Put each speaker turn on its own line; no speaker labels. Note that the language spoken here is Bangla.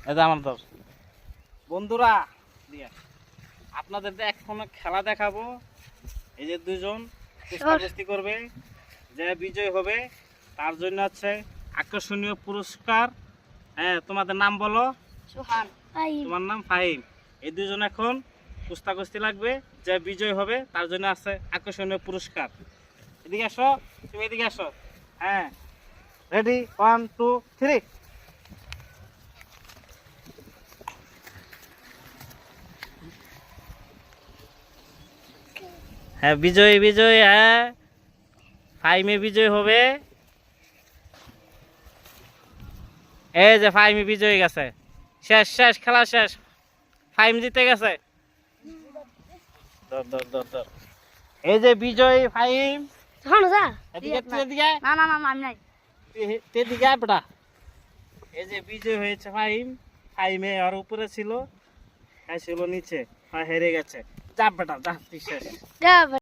এটা আমার দল। বন্ধুরা আপনাদের এখন খেলা দেখাবো। এই যে দুজন কুস্তি করবে, যে বিজয় হবে তার জন্য আছে আকর্ষণীয় পুরস্কার। হ্যাঁ, তোমাদের নাম বলো।
সোহান।
তোমার নাম ফাহিম। এই দুজন এখন কুস্তি লাগবে, যে বিজয় হবে তার জন্য আছে আকর্ষণীয় পুরস্কার। এদিকে আসো, তুমি এদিকে আসো। হ্যাঁ, রেডি, 1 2 3। হ্যাঁ, বিজয় বিজয়। হ্যাঁ, ফাইমে বিজয় হবে। এই যে ফাইমে বিজয় গেছে। শেষ শেষ, খেলা শেষ। ফাইম জিতে গেছে। ধর ধর ধর ধর। এই যে বিজয় ফাইম।
সোহান যা।
এদিকে এদিকে।
না না না আমি নাই।
এদিকে বেটা। এই যে বিজয় হয়েছে ফাইম। ফাইমে আর উপরে ছিল, ছিল নিচে, হেরে গেছে। যা বেটা যা, শেষ।
যা